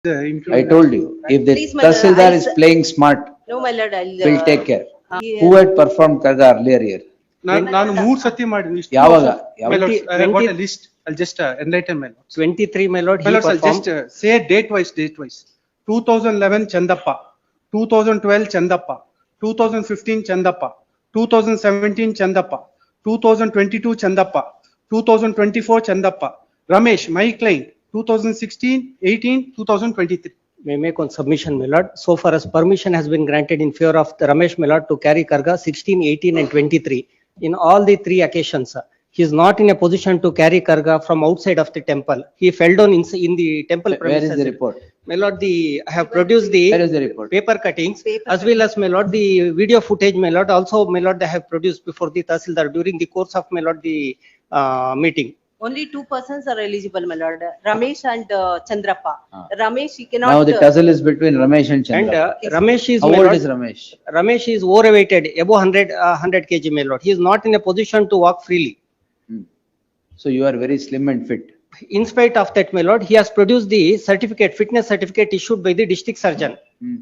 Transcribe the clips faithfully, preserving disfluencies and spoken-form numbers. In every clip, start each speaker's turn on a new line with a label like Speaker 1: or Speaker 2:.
Speaker 1: I told you, if the
Speaker 2: Please, my lord,
Speaker 1: Tahsildar
Speaker 2: I'll
Speaker 1: is
Speaker 2: s-
Speaker 1: playing smart,
Speaker 2: No, my lord, I'll.
Speaker 1: will
Speaker 2: uh,
Speaker 1: take care.
Speaker 2: uh,
Speaker 1: Who had performed Karga earlier here?
Speaker 3: ನಾನು ನಾನು ಮೂರ್ ಸತಿ ಮಾಡಿದ್ವಿ ಇಷ್ಟು
Speaker 1: ಯಾವಾಗ?
Speaker 3: ವರ್ಷ-
Speaker 1: ಯಾವ-
Speaker 3: My lords, I have got a
Speaker 4: twenty-
Speaker 3: list. I'll just uh, enlighten my lords.
Speaker 4: twenty-three, my lord,
Speaker 3: My
Speaker 4: he
Speaker 3: lords, I'll just
Speaker 4: performed.
Speaker 3: uh, say date wise, date wise. two thousand eleven Chandappa, two thousand twelve Chandappa, two thousand fifteen Chandappa, two thousand seventeen Chandappa, two thousand twenty-two Chandappa, two thousand twenty-four Chandappa. Ramesh, my client, two thousand sixteen, eighteen, two thousand twenty-three.
Speaker 4: May make on submission, my lord. So far as permission has been granted in favor of the Ramesh, my lord, to carry Karga sixteen, eighteen and twenty-three. In all the three occasions, uh, he is not in a position to carry Karga from outside of the temple. He fell down in, in the temple
Speaker 1: Where is
Speaker 4: premises.
Speaker 1: the report?
Speaker 4: My lord, the, I have produced the.
Speaker 1: Where is the report?
Speaker 4: Paper cuttings,
Speaker 2: Paper
Speaker 4: as well as, my lord, the video footage, my lord, also, my lord, I have produced before the Tahsildar during the course of, my lord, the uh, meeting.
Speaker 2: Only two persons are eligible, my lord, Ramesh and uh, Chandrappa.
Speaker 1: Ah.
Speaker 2: Ramesh, he cannot.
Speaker 1: Now the
Speaker 2: uh,
Speaker 1: tussle is between Ramesh and
Speaker 4: And
Speaker 1: Chandra.
Speaker 4: uh, Ramesh is,
Speaker 1: How
Speaker 4: my
Speaker 1: old
Speaker 4: lord,
Speaker 1: is Ramesh?
Speaker 4: Ramesh is overweighted, above one hundred, uh, one hundred kilograms, my lord. He is not in a position to walk freely.
Speaker 1: Hmm. So you are very slim and fit.
Speaker 4: In spite of that, my lord, he has produced the certificate, fitness certificate issued by the district surgeon.
Speaker 1: Hmm.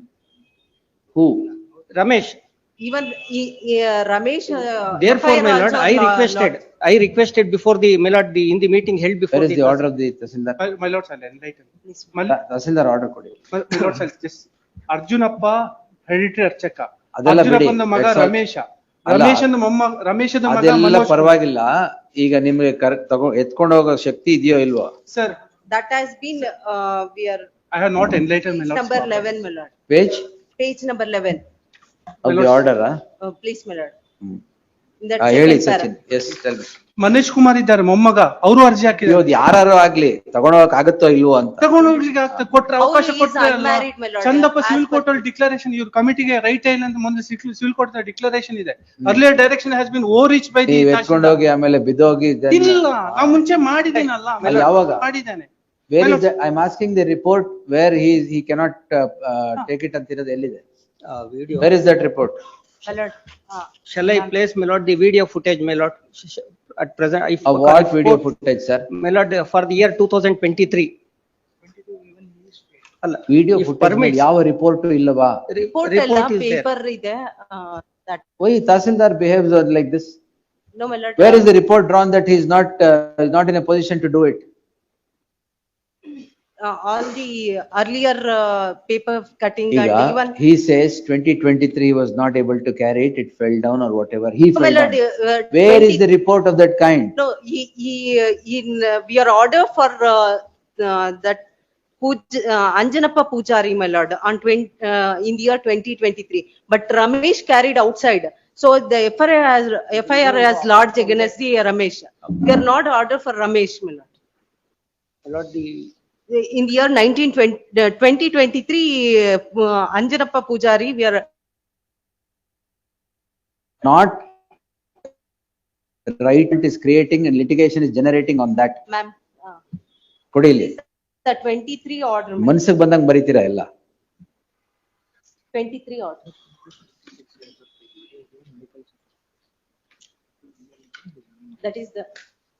Speaker 1: Who?
Speaker 4: Ramesh,
Speaker 2: Even he- he, uh, Ramesh. uh,
Speaker 4: therefore,
Speaker 2: F I R
Speaker 4: my lord,
Speaker 2: also
Speaker 4: I
Speaker 2: lo-
Speaker 4: requested,
Speaker 2: lodged.
Speaker 4: I requested before the, my lord, the, in the meeting held before
Speaker 1: Where is
Speaker 4: the.
Speaker 1: the order of the Tahsildar?
Speaker 3: My, my lords, I'll enlighten.
Speaker 2: Please.
Speaker 3: My,
Speaker 1: Ta- Tahsildar order ಕೊಡಿ.
Speaker 3: my my lords, I'll just Arjunappa, hereditary Archaka.
Speaker 1: ಅದೆಲ್ಲ ಬಿಡಿ.
Speaker 3: ಅರ್ಜುನಪ್ಪನ ಮಗ
Speaker 1: That's all.
Speaker 3: Ramesh.
Speaker 1: ಅಲ್ಲ.
Speaker 3: ರಮೇಶನ ಮೊಮ್ಮ ರಮೇಶದ ಮಗ
Speaker 1: ಅದೆಲ್ಲ
Speaker 3: ಮನೋಜ್.
Speaker 1: ಪರವಾಗಿಲ್ಲ. ಈಗ ನಿಮ್ಗೆ ಕರ್ ತಗೋ ಎತ್ಕೊಂಡು ಹೋಗೋ ಶಕ್ತಿ ಇದೆಯೋ ಇಲ್ವೋ?
Speaker 3: Sir,
Speaker 2: That has been, uh, we are,
Speaker 3: I have not enlightened my lords.
Speaker 2: number eleven, my lord.
Speaker 1: Page
Speaker 2: Page number eleven.
Speaker 1: of the order. ah?
Speaker 2: Uh, Please, my lord.
Speaker 1: Hmm.
Speaker 2: In that
Speaker 1: ಆ, ಹೇಳಿ
Speaker 2: second para.
Speaker 1: Sachin. Yes, tell me.
Speaker 3: Manish Kumar ಇದ್ದಾರೆ ಮೊಮ್ಮಗ ಅವರು ಅರ್ಜಿ ಹಾಕಿದ್ದಾರೆ.
Speaker 1: ಇವ್ದು ಯಾರು ಆಗ್ಲಿ ತಗೊಂಡೋಗಕ್ ಆಗುತ್ತೋ ಇಲ್ವೋ ಅಂತ.
Speaker 3: ತಗೊಂಡೋಗ್ಲಿಕ್ಕೆ ಆಗ್ತದೆ ಕೊಟ್ರೆ ಅವಕಾಶ
Speaker 2: He is
Speaker 3: ಕೊಟ್ರೆ ಅಲ್ಲ.
Speaker 2: unmarried, my lord.
Speaker 3: Chandappa
Speaker 2: As
Speaker 3: civil
Speaker 2: per-
Speaker 3: court ಅಲ್ಲಿ ಡಿಕ್ಲರೇಷನ್ ಇವ್ರ ಕಮಿಟಿಗೆ ರೈಟ್ ಇಲ್ಲ ಅಂತ ಮುಂದೆ ಸಿವಿಲ್ ಕೋರ್ಟ್ ಡಿಕ್ಲರೇಷನ್ ಇದೆ. Earlier direction has been overreach by the.
Speaker 1: ನೀವ್ ಎತ್ಕೊಂಡೋಗಿ ಆಮೇಲೆ ಬಿದ್ದೋಗಿ then-
Speaker 3: ಇಲ್ಲ ನಾ ಮುಂಚೆ ಮಾಡಿದ್ದೀನಲ್ಲ.
Speaker 1: ಅಲ್ಲಿ ಯಾವಾಗ?
Speaker 3: ಮಾಡಿದ್ದಾನೆ.
Speaker 1: Where is the, I am asking the report where he is, he cannot uh, uh, take it ಅಂತಿರೋದು ಎಲ್ಲಿದೆ?
Speaker 4: Uh, video.
Speaker 1: Where is that report?
Speaker 2: My lord. uh,
Speaker 4: Shall I place, my lord, the video footage, my lord? Sh- sh- At present, if.
Speaker 1: Of what
Speaker 4: if
Speaker 1: video
Speaker 4: court-
Speaker 1: footage, sir?
Speaker 4: My lord, uh, for the year two thousand twenty-three. ಅಲ್ಲ,
Speaker 1: Video
Speaker 4: if
Speaker 1: footage
Speaker 4: permits,
Speaker 1: ಮೇಲೆ ಯಾವ report ಇಲ್ಲವಾ?
Speaker 2: Report ಎಲ್ಲ
Speaker 4: report is there.
Speaker 2: paper ಇದೆ, uh, that,
Speaker 1: Why Tahsildar behaves like this?
Speaker 2: no, my lord.
Speaker 1: Where is the report drawn that he is not, uh, is not in a position to do it?
Speaker 2: Uh, all the earlier uh, paper cutting and
Speaker 1: ಈಗ
Speaker 2: even.
Speaker 1: he says twenty twenty-three he was not able to carry it, it fell down or whatever, he
Speaker 2: No, my
Speaker 1: fell
Speaker 2: lord,
Speaker 1: down.
Speaker 2: uh,
Speaker 1: Where is
Speaker 2: twenty
Speaker 1: the report of that kind?
Speaker 2: No, he, he, uh, in, uh, we are order for, uh, uh, that Puj, uh, Anjanappa Pujari, my lord, on twenty, uh, in the year twenty twenty-three. But Ramesh carried outside. So the F I R has, F I R has lodged against the Ramesh. We are not order for Ramesh, my lord.
Speaker 4: my lord, the.
Speaker 2: In the year nineteen twenty, uh, twenty twenty-three, uh, Anjanappa Pujari, we are,
Speaker 1: Not right is creating and litigation is generating on that.
Speaker 2: ma'am, uh,
Speaker 1: ಕೊಡಿ ಇಲ್ಲಿ.
Speaker 2: the twenty-three order, ma'am.
Speaker 1: ಮನ್ಸಿಗೆ ಬಂದಂಗ್ ಬರೀತೀರಾ ಎಲ್ಲ.
Speaker 2: twenty-three order. That is the,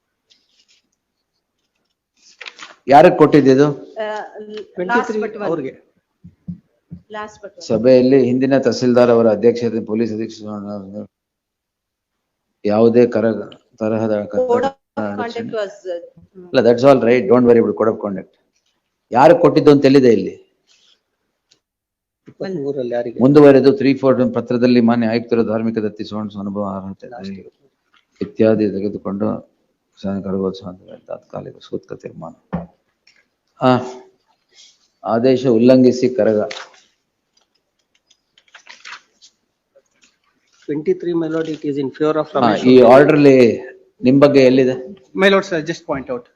Speaker 1: ಯಾರಗ್ ಕೊಟ್ಟಿದ್ದು?
Speaker 2: uh, last
Speaker 4: Twenty-three
Speaker 2: but one,
Speaker 4: ಅವ್ರಿಗೆ.
Speaker 2: last but one.
Speaker 1: ಸಭೆಯಲ್ಲಿ ಹಿಂದಿನ ತಹಸೀಲ್ದಾರ್ ಅವರ ಅಧ್ಯಕ್ಷತೆ ಪೊಲೀಸ್ ಅಧೀಕ್ಷಕ ಯಾವುದೇ ಕರ ತರಹದ
Speaker 2: Code of conduct was, uh,
Speaker 1: ಅಲ್ಲ, that's all right, don't worry about code of conduct. ಯಾರು ಕೊಟ್ಟಿದ್ದು ಅಂತ ಎಲ್ಲಿದೆ ಇಲ್ಲಿ?
Speaker 4: ಇಪ್ಪತ್ಮೂರಲ್ಲಿ ಯಾರಿಗೆ?
Speaker 1: ಮುಂದುವರೆದು ತ್ರೀ ಫೋರ್ ಪತ್ರದಲ್ಲಿ ಮಾನ್ಯ ಆಯುಕ್ತರ ಧಾರ್ಮಿಕ ದತ್ತಿ ಸೋಣ್ ಅನುಭವ ಅರ್ಹತೆ ಇತ್ಯಾದಿ ತೆಗೆದುಕೊಂಡು ಕರಗೋತ್ಸವ ತಾತ್ಕಾಲಿಕ ಸೂತ್ಕ ತೀರ್ಮಾನ. ಆ ಆದೇಶ ಉಲ್ಲಂಘಿಸಿ Karaga.
Speaker 4: Twenty-three, my lord, it is in favor of
Speaker 1: ಹಾ,
Speaker 4: Ramesh.
Speaker 1: ಈ ಆರ್ಡರ್ಲಿ ನಿಮ್ ಬಗ್ಗೆ ಎಲ್ಲಿದೆ?
Speaker 3: My lords, I'll just point out.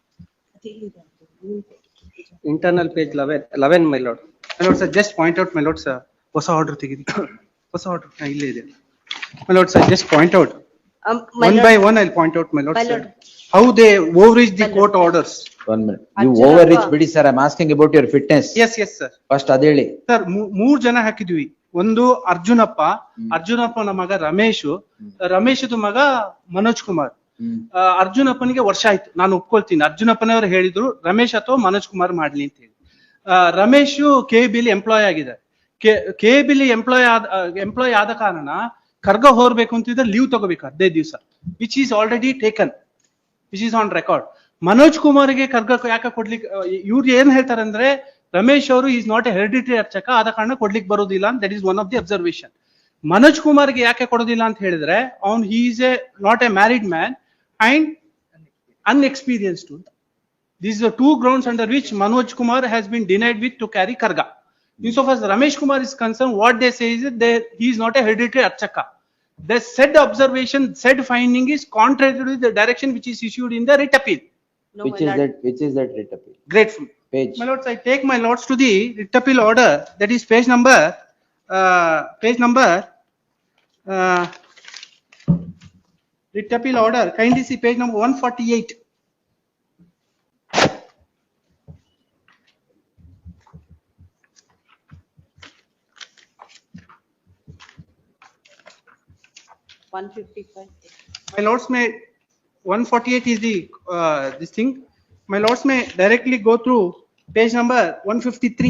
Speaker 4: Internal page eleven, eleven, my lord.
Speaker 3: My lords, I just point out, my lords, uh, ಹೊಸ ಆರ್ಡರ್ ತೆಗೆದಿ. ಹೊಸ order ಇಲ್ಲೇ ಇದೆ. My lords, I just point out.
Speaker 2: um, my
Speaker 3: One
Speaker 2: lord,
Speaker 3: by one, I'll point out, my lords.
Speaker 2: My
Speaker 3: uh,
Speaker 2: lord.
Speaker 3: How they overreach the court orders.
Speaker 1: One minute. You
Speaker 2: Arjunappa.
Speaker 1: Overreach ಬಿಡಿ sir, I am asking about your fitness.
Speaker 3: Yes, yes, sir.
Speaker 1: First ಅದ ಹೇಳಿ.
Speaker 3: Sir ಮೂರ್ ಜನ ಹಾಕಿದ್ವಿ. ಒಂದು ಅರ್ಜುನಪ್ಪ, ಅರ್ಜುನಪ್ಪನ ಮಗ ರಮೇಶ್, ರಮೇಶದ ಮಗ ಮನೋಜ್ ಕುಮಾರ್.
Speaker 1: ಹ್ಮ್.
Speaker 3: ಆ, ಅರ್ಜುನಪ್ಪನಿಗೆ ವರ್ಷ ಆಯ್ತು, ನಾನು ಒಪ್ಕೊಳ್ತೀನಿ. ಅರ್ಜುನಪ್ಪನವರು ಹೇಳಿದ್ರು ರಮೇಶ್ ಅಥವಾ ಮನೋಜ್ ಕುಮಾರ್ ಮಾಡ್ಲಿ ಅಂತ ಹೇಳಿ. ರಮೇಶ್ ಕೆ ಬಿಲಿ ಎಂಪ್ಲಾಯ್ ಆಗಿದೆ. ಕೆ ಬಿಲಿ ಎಂಪ್ಲಾಯ್ ಆದ ಎಂಪ್ಲಾಯ್ ಆದ ಕಾರಣ ಖರ್ಗ ಹೋರ್ಬೇಕು ಅಂತಿದ್ರೆ ಲೀವ್ ತಗೋಬೇಕು ಹದಿನೈದು ದಿವಸ, which is already taken, which is on record. Manoj ಕುಮಾರ್ಗೆ ಖರ್ಗ ಯಾಕೆ ಕೊಡ್ಲಿಕ್ಕೆ, ಇವ್ರು ಏನ್ ಹೇಳ್ತಾರೆ ಅಂದ್ರೆ ರಮೇಶ್ ಅವರು ಈಸ್ ನಾಟ್ ಎ ಹೆರಿಡಿಟರಿ ಅರ್ಚಕ, ಆದ ಕಾರಣ ಕೊಡ್ಲಿಕ್ಕೆ ಬರೋದಿಲ್ಲ ಅಂತ. That is one of the observation. Manoj ಕುಮಾರ್ಗೆ ಯಾಕೆ ಕೊಡೋದಿಲ್ಲ ಅಂತ ಹೇಳಿದ್ರೆ ಅವ್ನ್ he is a not a married man and unexperienced ಅಂತ. These are two grounds under which Manoj Kumar has been denied with to carry Karga. Insofar as Ramesh Kumar is concerned, what they say is that they, he is not a hereditary Archaka. The said observation, said finding is contrary to the direction which is issued in the writ appeal.
Speaker 2: No,
Speaker 1: Which
Speaker 2: my
Speaker 1: is
Speaker 2: lord.
Speaker 1: that, which is that writ appeal?
Speaker 3: Grateful.
Speaker 1: Page.
Speaker 3: My lords, I take my lords to the writ appeal order, that is page number, uh, page number, uh, writ appeal order, kindly see page number one forty-eight.
Speaker 2: one fifty-five.
Speaker 3: My lords may, one forty-eight is the, uh, this thing. My lords may directly go through page number one fifty-three.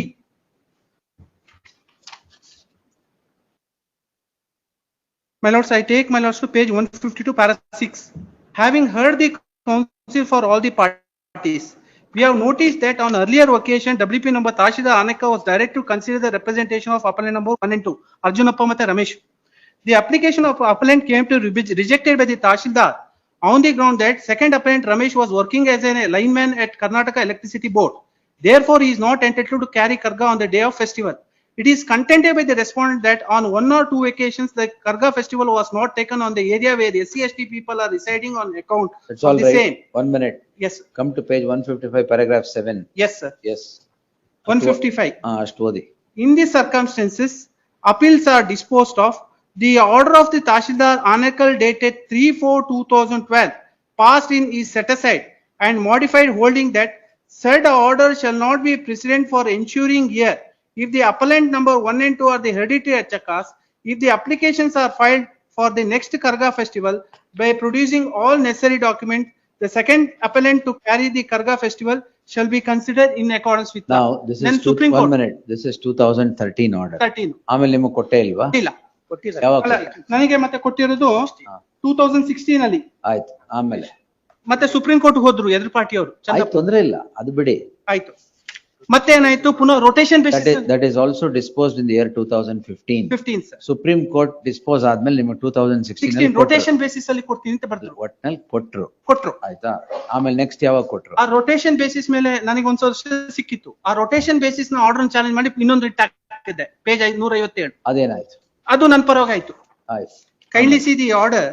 Speaker 3: My lords, I take my lords to page one fifty-two, para six. Having heard the counsel for all the parties, we have noticed that on earlier occasion, W P number Tashida Aneka was directed to consider the representation of appellant number one and two, Arjunappa Mate Ramesh. The application of appellant came to be rejected by the Tashildar on the ground that second appellant Ramesh was working as a lineman at Karnataka Electricity Board. Therefore, he is not entitled to carry Karga on the day of festival. It is contended by the respondent that on one or two occasions, the Karga festival was not taken on the area where the S C S T people are residing on account
Speaker 1: That's
Speaker 3: of
Speaker 1: all
Speaker 3: the
Speaker 1: right.
Speaker 3: same.
Speaker 1: One minute.
Speaker 3: Yes, sir.
Speaker 1: Come to page one fifty-five, paragraph seven.
Speaker 3: Yes, sir.
Speaker 1: Yes.
Speaker 3: one fifty-five.
Speaker 1: Ah, ಅಷ್ಟು ಓದಿ.
Speaker 3: In these circumstances, appeals are disposed of. The order of the Tashildar Anekal dated three four two thousand twelve passed in is set aside and modified, holding that said order shall not be precedent for ensuring here if the appellant number one and two are the hereditary Archakas, if the applications are filed for the next Karga festival by producing all necessary documents, the second appellant to carry the Karga festival shall be considered in accordance with law.
Speaker 1: Now, this
Speaker 3: Then
Speaker 1: is two,
Speaker 3: Supreme
Speaker 1: one
Speaker 3: Court
Speaker 1: minute. This is two thousand thirteen order.
Speaker 3: thirteen.
Speaker 1: ಆಮೇಲೆ ನಿಮಗೆ ಕೊಟ್ಟೇ ಇಲ್ವಾ?
Speaker 3: ಇಲ್ಲ.
Speaker 4: ಕೊಟ್ಟಿದ್ದಾರೆ.
Speaker 1: ಯಾವಾಗ
Speaker 3: ಅಲ್ಲ,
Speaker 1: ಕೊಟ್ರಿ?
Speaker 3: ನನಗೆ ಮತ್ತೆ ಕೊಟ್ಟಿರೋದು ಟೂ ತೌಸಂಡ್ ಸಿಕ್ಸ್ಟೀನ್ ಅಲ್ಲಿ.
Speaker 1: ಆಯ್ತು. ಆಮೇಲೆ
Speaker 3: ಮತ್ತೆ ಸುಪ್ರೀಂ ಕೋರ್ಟ್ ಹೋದ್ರು ಎದುರು ಪಾರ್ಟಿ ಅವರು.
Speaker 1: ಆಯ್ತು, ತೊಂದ್ರೆ ಇಲ್ಲ, ಅದು ಬಿಡಿ.
Speaker 3: ಆಯ್ತು. ಮತ್ತೆ ಏನಾಯ್ತು, ಪುನಃ rotation
Speaker 1: That
Speaker 3: basis
Speaker 1: is, that is also disposed in the year two thousand fifteen.
Speaker 3: Fifteen sir.
Speaker 1: Supreme court dispose ಆದ್ಮೇಲೆ ನಿಮಗೆ two thousand sixteen
Speaker 3: sixteen rotation basis ಅಲ್ಲಿ ಕೊಡ್ತೀನಿ ಅಂತ ಬರ್ದ್ರು.
Speaker 1: ಒಟ್ನಲ್ಲಿ ಕೊಟ್ರು.
Speaker 3: ಕೊಟ್ರು.
Speaker 1: ಆಯ್ತಾ? ಆಮೇಲೆ ನೆಕ್ಸ್ಟ್ ಯಾವಾಗ ಕೊಟ್ರು?
Speaker 3: ಆ ರೊಟೇಷನ್ ಬೇಸಿಸ್ ಮೇಲೆ ನನಗೆ ಒಂದ್ ವರ್ಷ ಸಿಕ್ಕಿತ್ತು. ಆ ರೊಟೇಷನ್ ಬೇಸಿಸ್ ನ ಆರ್ಡರ್ ಚಾಲೆಂಜ್ ಮಾಡಿ ಇನ್ನೊಂದು ರಿಟ್ ಹಾಕಿದ್ದೆ, ಪೇಜ್ ನೂರ ಐವತ್ತೇಳು.
Speaker 1: ಅದೇನಾಯ್ತು?
Speaker 3: ಅದು ನನ್ನ ಪರವಾಗಿ ಆಯ್ತು.
Speaker 1: ಆಯ್ತು.
Speaker 3: Kindly see the order,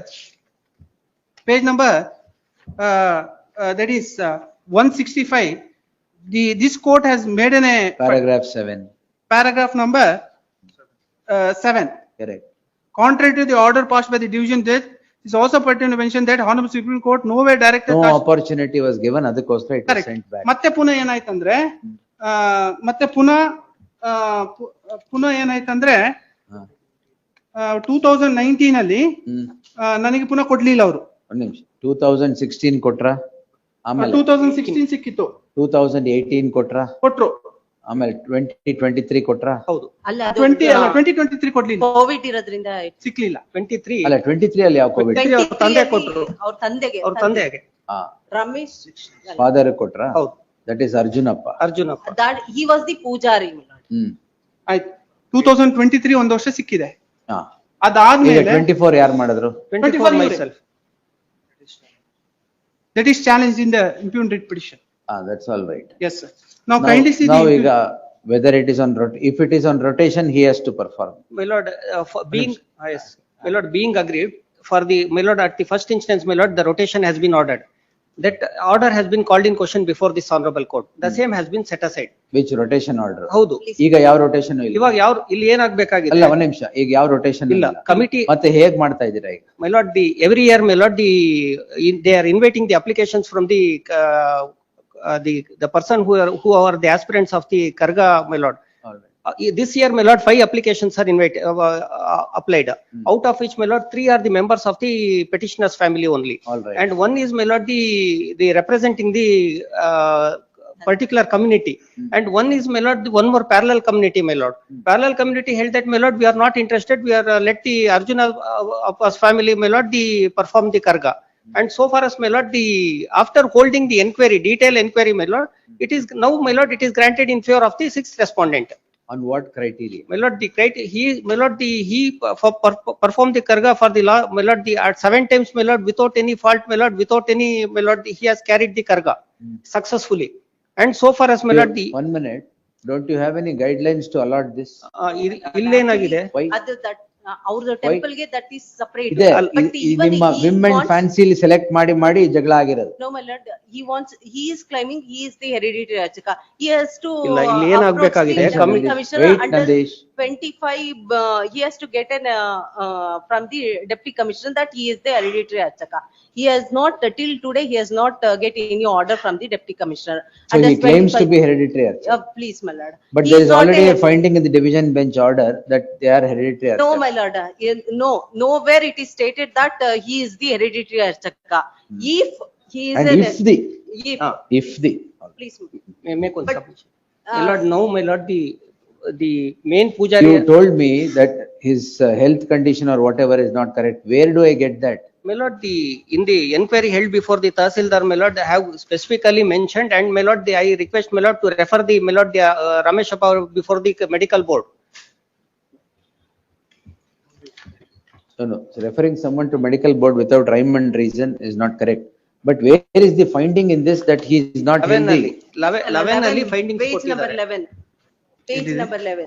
Speaker 3: page number, uh, uh, that is uh, one sixty-five. The, this court has made an a
Speaker 1: Paragraph seven.
Speaker 3: paragraph number uh, seven.
Speaker 1: Correct.
Speaker 3: Contrary to the order passed by the division judge, it is also pertinent to mention that Honorable Supreme Court nowhere directed.
Speaker 1: No
Speaker 3: Tash-
Speaker 1: opportunity was given, ಅದಕ್ಕೋಸ್ಕರ it was
Speaker 3: Correct.
Speaker 1: sent back.
Speaker 3: ಮತ್ತೆ ಪುನಃ ಏನಾಯ್ತಂದ್ರೆ, ಆ, ಮತ್ತೆ ಪುನಃ ಆ, ಪು- ಪುನಃ ಏನಾಯ್ತಂದ್ರೆ
Speaker 1: ಹಾ.
Speaker 3: Two thousand nineteen ಅಲ್ಲಿ
Speaker 1: ಹ್ಮ್.
Speaker 3: ಆ, ನನಗೆ ಪುನಃ ಕೊಡ್ಲಿಲ್ಲ ಅವರು.
Speaker 1: ಒಂದ್ ನಿಮಿಷ. ಟೂ ತೌಸಂಡ್ ಸಿಕ್ಸ್ಟೀನ್ ಕೊಟ್ರ? ಆಮೇಲೆ
Speaker 3: ಟೂ ತೌಸಂಡ್ ಸಿಕ್ಸ್ಟೀನ್ ಸಿಕ್ಕಿತ್ತು,
Speaker 1: ಟೂ ತೌಸಂಡ್ ಏಯ್ಟೀನ್ ಕೊಟ್ರ?
Speaker 3: ಕೊಟ್ರು.
Speaker 1: ಆಮೇಲೆ ಟ್ವೆಂಟಿ ಟ್ವೆಂಟಿ ತ್ರೀ ಕೊಟ್ರ?
Speaker 4: ಹೌದು.
Speaker 2: ಅಲ್ಲ
Speaker 3: ಟ್ವೆಂಟಿ ಅಲ್ಲ ಟ್ವೆಂಟಿ ಟ್ವೆಂಟಿ ತ್ರೀ ಕೊಡ್ಲಿಲ್ಲ,
Speaker 2: ಕೋವಿಡ್ ಇರೋದ್ರಿಂದ
Speaker 3: ಸಿಕ್ಲಿಲ್ಲ.
Speaker 4: ಟ್ವೆಂಟಿ ತ್ರೀ
Speaker 1: ಅಲ್ಲ, ಟ್ವೆಂಟಿ ತ್ರೀ ಅಲ್ಲಿ ಯಾವ ಕೋವಿಡ್?
Speaker 4: ಅವ್ರ ತಂದೆ ಕೊಟ್ರು.
Speaker 2: ಅವ್ರ ತಂದೆಗೆ
Speaker 4: ಅವ್ರ ತಂದೆಗೆ.
Speaker 1: ಹಾ.
Speaker 2: ರಮೇಶ್
Speaker 1: ಫಾದರ್ ಕೊಟ್ರ?
Speaker 4: ಹೌದು.
Speaker 1: That is Arjunappa.
Speaker 4: Arjunappa.
Speaker 2: that he was the pujari.
Speaker 1: Hmm.
Speaker 3: ಆಯ್ತು. ಟೂ ತೌಸಂಡ್ ಟ್ವೆಂಟಿ ತ್ರೀ ಒಂದ್ ವರ್ಷ ಸಿಕ್ಕಿದೆ.
Speaker 1: ಹಾ.
Speaker 3: ಅದಾದ್ಮೇಲೆ
Speaker 1: ಟ್ವೆಂಟಿ ಫೋರ್ ಯಾರು ಮಾಡಿದ್ರು?
Speaker 4: Twenty four myself.
Speaker 3: that is challenged in the impugned writ petition.
Speaker 1: Ah, that's all right.
Speaker 3: Yes, sir. Now
Speaker 1: Now,
Speaker 3: kindly see
Speaker 1: now
Speaker 3: the.
Speaker 1: ಈಗ whether it is on rot, if it is on rotation, he has to perform.
Speaker 4: My lord, uh, for being, ah, yes, my lord, being aggrieved for the, my lord, at the first instance, my lord, the rotation has been ordered. That order has been called in question before this honorable court. The same has been set aside.
Speaker 1: Which rotation order?
Speaker 4: ಹೌದು.
Speaker 1: ಈಗ ಯಾವ rotation ಇಲ್ಲ?
Speaker 4: ಇವಾಗ ಯಾವ, ಇಲ್ಲಿ ಏನಾಗ್ಬೇಕಾಗಿದೆ?
Speaker 1: ಅಲ್ಲ, ಒಂದ್ ನಿಮಿಷ. ಈಗ ಯಾವ rotation
Speaker 4: ಇಲ್ಲ. Committee.
Speaker 1: ಮತ್ತೆ ಹೇಗ್ ಮಾಡ್ತಾ ಇದ್ದೀರಾ ಈಗ?
Speaker 4: My lord, the, every year, my lord, the, in, they are inviting the applications from the, uh, uh, the, the person who are, who are the aspirants of the Karga, my lord.
Speaker 1: All right.
Speaker 4: Uh, this year, my lord, five applications are invited, uh, uh, applied. Out of which, my lord, three are the members of the petitioner's family only.
Speaker 1: All right.
Speaker 4: And one is, my lord, the, the representing the, uh, particular community. And one is, my lord, one more parallel community, my lord. Parallel community held that, my lord, we are not interested, we are, uh, let the Arjuna uh, of us family, my lord, the perform the karga. And so far as, my lord, the, after holding the inquiry, detailed inquiry, my lord, it is now, my lord, it is granted in favor of the sixth respondent.
Speaker 1: On what criteria?
Speaker 4: My lord, the criteria, he, my lord, the, he uh, for, per, performed the karga for the law, my lord, the, at seven times, my lord, without any fault, my lord, without any, my lord, he has carried the karga successfully. And so far as, my lord, the,
Speaker 1: One minute, don't you have any guidelines to allot this?
Speaker 4: uh, ಇಲ್- ಇಲ್ಲೇನಾಗಿದೆ?
Speaker 1: Why?
Speaker 2: ಅದು that ಅವ್ರ temple ಗೆ that is separate.
Speaker 1: ಇದೆ
Speaker 2: But
Speaker 1: ಈ- ಈ
Speaker 2: even
Speaker 1: ನಿಮ್ಮ
Speaker 2: he
Speaker 1: whim and
Speaker 2: wants-
Speaker 1: fancily select ಮಾಡಿ ಮಾಡಿ ಜಗಳ ಆಗಿರೋದು.
Speaker 2: No, my lord, he wants, he is claiming he is the hereditary Archaka. He has to.
Speaker 4: ಇಲ್ಲ, ಇಲ್ಲಿ
Speaker 2: uh,
Speaker 4: ಏನಾಗ್ಬೇಕಾಗಿದೆ?
Speaker 2: approach the
Speaker 4: ಕಮ್ಮಿ-
Speaker 2: deputy commissioner
Speaker 1: Wait,
Speaker 2: under
Speaker 1: Nandesh.
Speaker 2: twenty-five, uh, he has to get an, uh, uh, from the deputy commissioner that he is the hereditary Archaka. He has not, uh, till today, he has not uh, get any order from the deputy commissioner.
Speaker 1: So
Speaker 2: Under
Speaker 1: he claims to
Speaker 2: 25
Speaker 1: be hereditary. Archaka.
Speaker 2: Uh, please, my lord.
Speaker 1: But
Speaker 2: He
Speaker 1: there
Speaker 2: is
Speaker 1: is
Speaker 2: not
Speaker 1: already a
Speaker 2: a-
Speaker 1: finding in the division bench order that they are hereditary.
Speaker 2: No,
Speaker 1: Archaka.
Speaker 2: my lord, uh, in- no, nowhere it is stated that uh, he is the hereditary Archaka. If he is
Speaker 1: And
Speaker 2: an.
Speaker 1: if the,
Speaker 2: If,
Speaker 4: Ah.
Speaker 1: if the,
Speaker 2: please.
Speaker 4: May make one
Speaker 2: But,
Speaker 4: submission. My
Speaker 2: uh,
Speaker 4: lord, now, my lord, the, the main pujari.
Speaker 1: you told me that his uh, health condition or whatever is not correct. Where do I get that?
Speaker 4: My lord, the, in the inquiry held before the Tahsildar, my lord, they have specifically mentioned, and my lord, the, I request, my lord, to refer the, my lord, the, uh, Ramesh Appa before the medical board.
Speaker 1: No, no, so referring someone to medical board without rhyme and reason is not correct. But where is the finding in this that he is not
Speaker 4: Eleven
Speaker 1: healthy?
Speaker 4: ಅಲ್ಲಿ, eleven, eleven ಅಲ್ಲಿ findings
Speaker 2: Page number
Speaker 4: ಕೊಟ್ಟಿದ್ದಾರೆ.
Speaker 2: eleven. Page number eleven.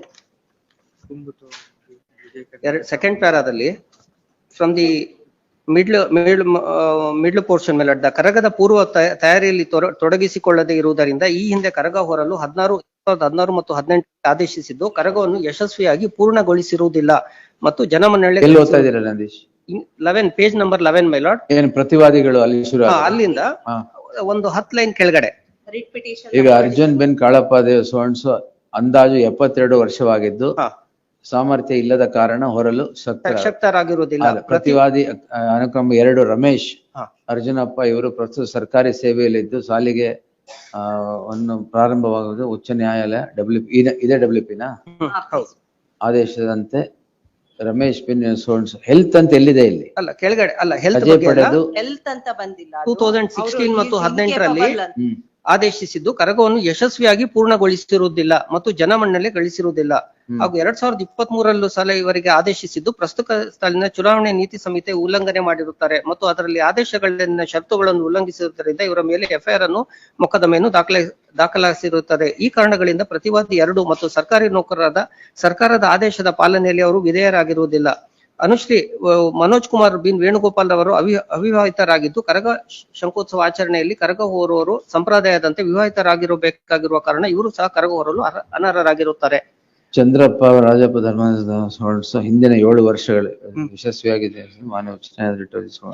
Speaker 4: ಎರಡು second ಪ್ಯಾರಾದಲ್ಲಿ from the middle middle middle portion ಮೇಲೆ ದ ಕರಗದ ಪೂರ್ವ ತಯ- ತಯಾರಿಯಲ್ಲಿ ತೊರ- ತೊಡಗಿಸಿಕೊಳ್ಳದೆ ಇರುವುದರಿಂದ ಈ ಹಿಂದೆ ಕರಗ ಹೊರಲು ಹದಿನಾರು ಸಾವಿರದ ಹದಿನಾರು ಮತ್ತು ಹದಿನೆಂಟು ಆದೇಶಿಸಿದ್ದು ಕರಗವನ್ನು ಯಶಸ್ವಿಯಾಗಿ ಪೂರ್ಣಗೊಳಿಸಿರುವುದಿಲ್ಲ ಮತ್ತು ಜನಮನ್ನಣೆ
Speaker 1: ಎಲ್ಲಿ ಓದ್ತಾ ಇದ್ದೀರಾ Nandish?
Speaker 4: Eleven page number eleven my lord
Speaker 1: ಏನು ಪ್ರತಿವಾದಿಗಳು ಅಲ್ಲಿ ಶುರು ಆಗೋದು?
Speaker 4: ಅಲ್ಲಿಂದ
Speaker 1: ಹಾ.
Speaker 4: ಒಂದು ಹತ್ತು ಲೈನ್ ಕೆಳಗಡೆ
Speaker 2: Writ petition.
Speaker 1: ಈಗ
Speaker 2: number
Speaker 1: ಅರ್ಜುನ್ ಬೆನ್ ಕಾಳಪ್ಪ ದೇವ್ ಸೋಣ್ಸು ಅಂದಾಜು ಎಪ್ಪತ್ತೆರಡು ವರ್ಷವಾಗಿದ್ದು
Speaker 4: ಹಾ,
Speaker 1: ಸಾಮರ್ಥ್ಯ ಇಲ್ಲದ ಕಾರಣ ಹೊರಲು ಶಕ್ತರ
Speaker 4: ಶಕ್ತರಾಗಿರುವುದಿಲ್ಲ.
Speaker 1: ಅಲ್ಲ, ಪ್ರತಿವಾದಿ ಅ, ಅನುಕ್ರಮ ಎರಡು ರಮೇಶ್
Speaker 4: ಹಾ.
Speaker 1: ಅರ್ಜುನಪ್ಪ ಇವರು ಪ್ರಸ್ತುತ ಸರ್ಕಾರಿ ಸೇವೆಯಲ್ಲಿದ್ದು ಸಾಲಿಗೆ ಆ ಒಂದು ಪ್ರಾರಂಭವಾಗುವುದು ಉಚ್ಚ ನ್ಯಾಯಾಲಯ ಡಬ್ಲ್ಯೂ ಇದೇ ಡಬ್ಲ್ಯೂ ಪಿನ
Speaker 4: ಹ್ಮ್, ಹೌದು.
Speaker 1: ಆದೇಶದಂತೆ ರಮೇಶ್ ಬಿನ್ ಸೋಣ್ಸ್ ಹೆಲ್ತ್ ಅಂತ ಎಲ್ಲಿದೆ ಇಲ್ಲಿ?
Speaker 4: ಅಲ್ಲ ಕೆಳಗಡೆ ಅಲ್ಲ ಹೆಲ್ತ್
Speaker 1: ರಜೆ
Speaker 4: ಬಗ್ಗೆ ಅಲ್ಲ.
Speaker 1: ಪಡೆದು
Speaker 2: Health ಅಂತ ಬಂದಿಲ್ಲ. ಅದು.
Speaker 4: ಟೂ ತೌಸಂಡ್
Speaker 2: ಅವ್ರು
Speaker 4: ಸಿಕ್ಸ್ಟೀನ್
Speaker 2: he is
Speaker 4: ಮತ್ತು ಹದಿನೆಂಟರಲ್ಲಿ
Speaker 2: incapable ಅಂತ.
Speaker 1: ಹ್ಮ್
Speaker 4: ಆದೇಶಿಸಿದ್ದು ಕರಗವನ್ನು ಯಶಸ್ವಿಯಾಗಿ ಪೂರ್ಣಗೊಳಿಸಿರುವುದಿಲ್ಲ ಮತ್ತು ಜನಮನ್ನಣೆ ಗಳಿಸಿರುವುದಿಲ್ಲ ಹಾಗೂ ಎರಡ್ ಸಾವಿರದ ಇಪ್ಪತ್ತ್ ಮೂರಲ್ಲೂ ಸಲ ಇವರಿಗೆ ಆದೇಶಿಸಿದ್ದು ಪ್ರಸ್ತುತ ಸಾಲಿನ ಚುನಾವಣೆ ನೀತಿ ಸಂಹಿತೆ ಉಲ್ಲಂಘನೆ ಮಾಡಿರುತ್ತಾರೆ ಮತ್ತು ಅದರಲ್ಲಿ ಆದೇಶಗಳನ್ನ ಷರತ್ತುಗಳನ್ನು ಉಲ್ಲಂಘಿಸಿರುವುದರಿಂದ ಇವರ ಮೇಲೆ ಎಫ್ಐಆರ್ ಅನ್ನು ಮೊಕದ್ದಮೆಯನ್ನು ದಾಖಲೆ ದಾಖಲಿಸಿರುತ್ತದೆ. ಈ ಕಾರಣಗಳಿಂದ ಪ್ರತಿವಾದಿ ಎರಡು ಮತ್ತು ಸರ್ಕಾರಿ ನೌಕರರಾದ ಸರ್ಕಾರದ ಆದೇಶದ ಪಾಲನೆಯಲ್ಲಿ ಅವರು ವಿಧೇಯರಾಗಿರುವುದಿಲ್ಲ. ಅನುಶ್ರೀ ಅಹ್, ಮನೋಜ್ ಕುಮಾರ್ ಬಿನ್ ವೇಣುಗೋಪಾಲ್ ಅವರು ಅವಿ ಅವಿವಾಹಿತರಾಗಿದ್ದು ಕರಗ ಶಂಕೋತ್ಸವ ಆಚರಣೆಯಲ್ಲಿ ಕರಗ ಹೊರುವವರು ಸಂಪ್ರದಾಯದಂತೆ ವಿವಾಹಿತರಾಗಿರಬೇಕಾಗಿರುವ ಕಾರಣ ಇವರು ಸಹ ಕರಗ ಹೊರಲು ಅರ್ಹ- ಅನರ್ಹರಾಗಿರುತ್ತಾರೆ.
Speaker 1: ಚಂದ್ರಪ್ಪ ರಾಜಪ್ಪ ಧರ್ಮದ ಸೋಣ್ಸ್ ಹಿಂದಿನ ಏಳು ವರ್ಷಗಳು ಯಶಸ್ವಿಯಾಗಿದೆ ಮಾನ್ಯ ಉಚ್ಚ ನ್ಯಾಯಾಲಯ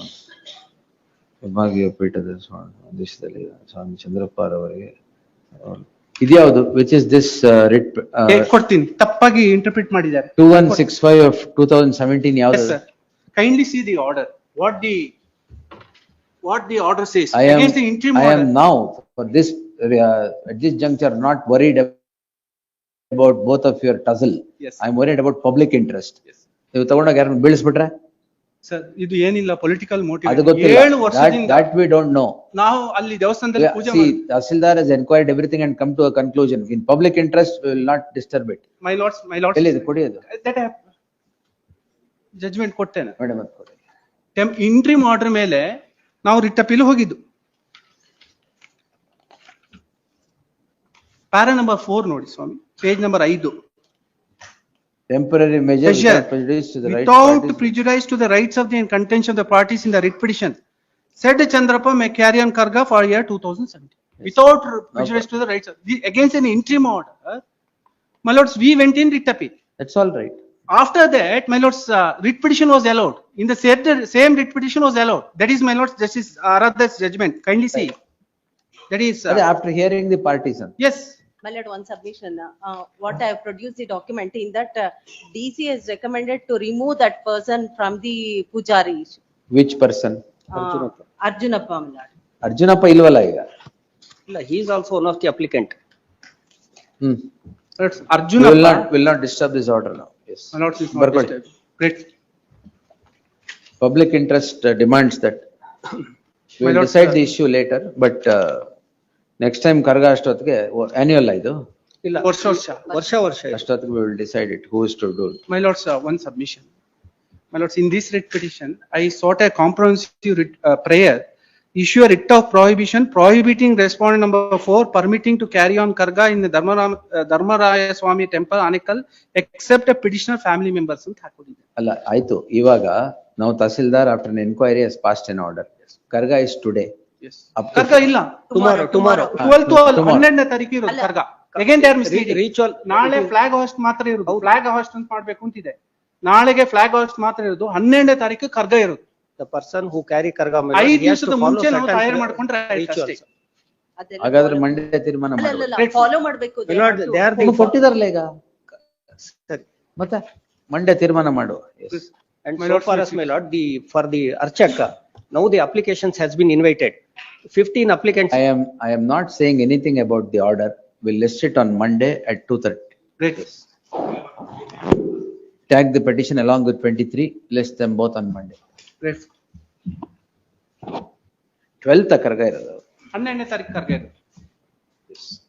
Speaker 1: ವಿಭಾಗೀಯ ಪೀಠದ ಆದೇಶದಲ್ಲಿ ಸ್ವಾಮಿ ಚಂದ್ರಪ್ಪ ಅವರಿಗೆ ಇದ್ಯಾವುದು ವಿಚ್ ಇಸ್ ದಿಸ್ ರಿಟ್
Speaker 3: ಏ, ಕೊಡ್ತೀನಿ, ತಪ್ಪಾಗಿ ಇಂಟರ್ಪ್ರಿಟ್ ಮಾಡಿದ್ದಾರೆ.
Speaker 1: Two one six five of two thousand seventeen
Speaker 3: Yes,
Speaker 1: ಯಾವ್ದು?
Speaker 3: sir. Kindly see the order. What the, what the order says.
Speaker 1: I am,
Speaker 3: Against the interim
Speaker 1: I am
Speaker 3: order.
Speaker 1: now for this uh, at this juncture not worried about both of your tussle.
Speaker 3: Yes.
Speaker 1: I am worried about public interest.
Speaker 3: Yes.
Speaker 1: ನೀವು ತಗೊಂಡಾಗ ಯಾರನ್ನ ಬೀಳಿಸ್ಬಿಟ್ರೆ
Speaker 3: sir, ಇದು ಏನಿಲ್ಲ political motive.
Speaker 1: ಅದು ಗೊತ್ತಿಲ್ಲ.
Speaker 3: ಏಳು
Speaker 1: That,
Speaker 3: ವರ್ಷದಿಂದ
Speaker 1: that we don't know.
Speaker 3: ನಾವು ಅಲ್ಲಿ ದೇವಸ್ಥಾನದಲ್ಲಿ
Speaker 1: Yeah,
Speaker 3: ಪೂಜೆ
Speaker 1: see,
Speaker 3: ಮಾಡಿ.
Speaker 1: Tahsildar has inquired everything and come to a conclusion. In public interest, we will not disturb it.
Speaker 3: My lords, my lords.
Speaker 1: ಎಲ್ಲಿದೆ ಕೊಡಿಯೋದು?
Speaker 3: That I have judgment ಕೊಟ್ಟೇನೆ.
Speaker 1: Madam ಅದು ಕೊಡಿ.
Speaker 3: ಇಂಟ್ರಿಮ್ ಆರ್ಡರ್ ಮೇಲೆ ನಾವು ರಿಟ್ ಅಪೀಲ್ ಹೋಗಿದ್ದು. Para number four ನೋಡಿ ಸ್ವಾಮಿ, ಪೇಜ್ ನಂಬರ್ ಐದು.
Speaker 1: Temporary measure
Speaker 3: Measure
Speaker 1: without prejudice to the rights
Speaker 3: without
Speaker 1: parties.
Speaker 3: prejudice to the rights of the and contention of the parties in the writ petition. Said Chandrappa may carry on Karga for year two thousand seventeen. Without prejudice to the rights of, the- against an interim order. My lords, we went in writ appeal.
Speaker 1: That's all right.
Speaker 3: After that, my lords, uh, writ petition was allowed. In the same, same writ petition was allowed. That is, my lords, Justice Aradha's judgment. Kindly see. That is,
Speaker 1: ಅದೇ
Speaker 3: uh,
Speaker 1: after hearing the parties. ಅಂತ.
Speaker 3: yes.
Speaker 2: My lord, one submission, uh, what I have produced the document in that uh, D C has recommended to remove that person from the pujari.
Speaker 1: Which person?
Speaker 2: Uh, Arjunappa, my lord.
Speaker 1: Arjunappa ಇಲ್ವಲ್ಲ ಈಗ?
Speaker 4: ಇಲ್ಲ, he is also one of the applicant.
Speaker 1: Hmm.
Speaker 3: That's
Speaker 1: We
Speaker 3: Arjuna.
Speaker 1: will not, will not disturb this order now. Yes.
Speaker 3: My lords is not
Speaker 1: Barkodi.
Speaker 3: disturbed. Great.
Speaker 1: Public interest uh, demands that. We
Speaker 3: My
Speaker 1: will
Speaker 3: lord,
Speaker 1: decide
Speaker 3: uh,
Speaker 1: the issue later, but uh, next time Karaga ಅಷ್ಟೊತ್ತಿಗೆ annual ಇದು
Speaker 4: ಇಲ್ಲ,
Speaker 3: ವರ್ಷ ವರ್ಷ.
Speaker 4: ವರ್ಷ ವರ್ಷ ಇದೆ.
Speaker 1: ಅಷ್ಟೊತ್ತಿಗೆ we will decide it, who is to do it.
Speaker 3: My lords, uh, one submission. My lords, in this writ petition, I sought a comprehensive writ, uh, prayer, issue a writ of prohibition prohibiting respondent number four permitting to carry on karga in the Dharmaram, uh, Dharmaraya Swami temple, Anekal, except a petitioner family members ಅಂತ ಹಾಕೊಂಡಿದೆ.
Speaker 1: ಅಲ್ಲ ಆಯ್ತು, ಇವಾಗ ನಾವು tahsildar after an inquiry has passed an order. Karaga is today.
Speaker 3: Yes.
Speaker 1: Up to-
Speaker 3: ಕರ್ಗ ಇಲ್ಲ.
Speaker 4: Tomorrow, tomorrow.
Speaker 3: twelve to
Speaker 1: tomorrow.
Speaker 3: ಹನ್ನೆರಡನೇ ತಾರೀಕು ಇರೋದು
Speaker 2: ಅಲ್ಲ.
Speaker 3: Karaga. Again they are
Speaker 4: Re-
Speaker 3: misleading.
Speaker 4: Ritual.
Speaker 3: ನಾಳೆ ಫ್ಲಾಗ್ ಹಾಸ್ಟ್ ಮಾತ್ರ ಇರೋದು. ಫ್ಲಾಗ್ ಹಾಸ್ಟ್ ಅಂತ ಮಾಡ್ಬೇಕು ಅಂತಿದೆ. ನಾಳೆಗೆ ಫ್ಲಾಗ್ ಹಾಸ್ಟ್ ಮಾತ್ರ ಇರೋದು. ಹನ್ನೆರಡನೇ ತಾರೀಕು ಕರ್ಗ ಇರೋದು.
Speaker 4: The person who carry karga my lord,
Speaker 3: ಐದು
Speaker 4: he has
Speaker 3: ದಿವಸದ
Speaker 4: to follow
Speaker 3: ಮುಂಚೆ ನಾವು
Speaker 4: certain
Speaker 3: ತಯಾರು ಮಾಡ್ಕೊಂಡ್ರೆ ಆಯ್ತು
Speaker 4: rituals.
Speaker 3: ಅಷ್ಟೇ.
Speaker 2: ಅದೆಲ್ಲ
Speaker 1: ಹಾಗಾದ್ರೆ
Speaker 2: follow-
Speaker 1: ಮಂಡ್ಯ ತೀರ್ಮಾನ
Speaker 2: ಅಲ್ಲ, ಅಲ್ಲ,
Speaker 1: ಮಾಡಿ.
Speaker 2: ಅಲ್ಲ, follow ಮಾಡ್ಬೇಕು.
Speaker 4: My lord, they are the.
Speaker 1: ಕೊಟ್ಟಿದಾರಲ್ಲ ಈಗ
Speaker 4: ಸರಿ.
Speaker 1: ಮತ್ತೆ ಮಂಡ್ಯ ತೀರ್ಮಾನ ಮಾಡು. Yes.
Speaker 4: And
Speaker 3: My
Speaker 4: so
Speaker 3: lord,
Speaker 4: far
Speaker 3: please
Speaker 4: as my lord, the, for the Archaka, now the applications has been invited. Fifteen applicants.
Speaker 1: I am, I am not saying anything about the order. We'll list it on Monday at two thirty.
Speaker 3: Great.
Speaker 1: Tag the petition along with twenty-three, list them both on Monday.
Speaker 3: Great.
Speaker 1: twelfth Karaga ಇರೋದು.
Speaker 3: ಹನ್ನೆರಡನೇ ತಾರೀಕು ಕರ್ಗ ಇರೋದು.
Speaker 1: Yes.